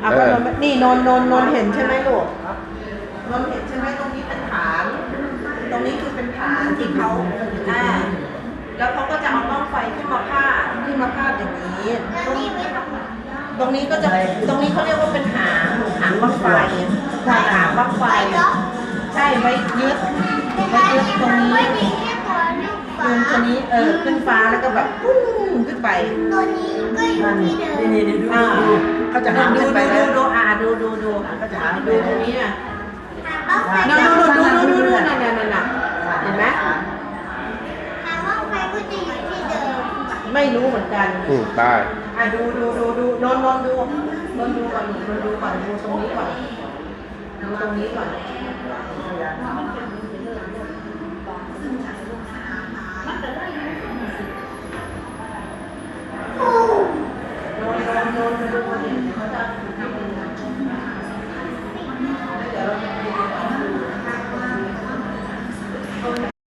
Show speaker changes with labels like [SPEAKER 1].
[SPEAKER 1] อ่ะก็นนนี่นนเห็นใช่ไหมลูกนนเห็นใช่ไหมตรงนี้เป็นฐานตรงนี้คือเป็นฐานที่เขาแล้วเขาก็จะเอาบ้างไฟขึ้นมาพาดอย่างนี้ตรงนี้ก็จะตรงนี้เขาเรียกว่าเป็นหางบ้างไฟหางบ้างไฟใช่ไว้ยึดตรงนี้ยืนตัวนี้ขึ้นฟ้าแล้วก็แบบปุ้งขึ้นไป
[SPEAKER 2] ตัวนี้ก็อยู่ที่เดิม
[SPEAKER 3] นี่ดูเขาจะหางขึ้นไปแล้ว
[SPEAKER 1] ดู
[SPEAKER 3] เขาจะหางขึ้นไป
[SPEAKER 1] ตรงนี้น่ะ
[SPEAKER 2] หางบ้างไฟ
[SPEAKER 1] ดูนั่นเห็นไหม
[SPEAKER 2] หางบ้างไฟก็จะอยู่ที่เดิม
[SPEAKER 1] ไม่รู้เหมือนกัน
[SPEAKER 4] ได้
[SPEAKER 1] ดูนนดูก่อนดูตรงนี้ก่อนดูตรงนี้ก่อนนนดู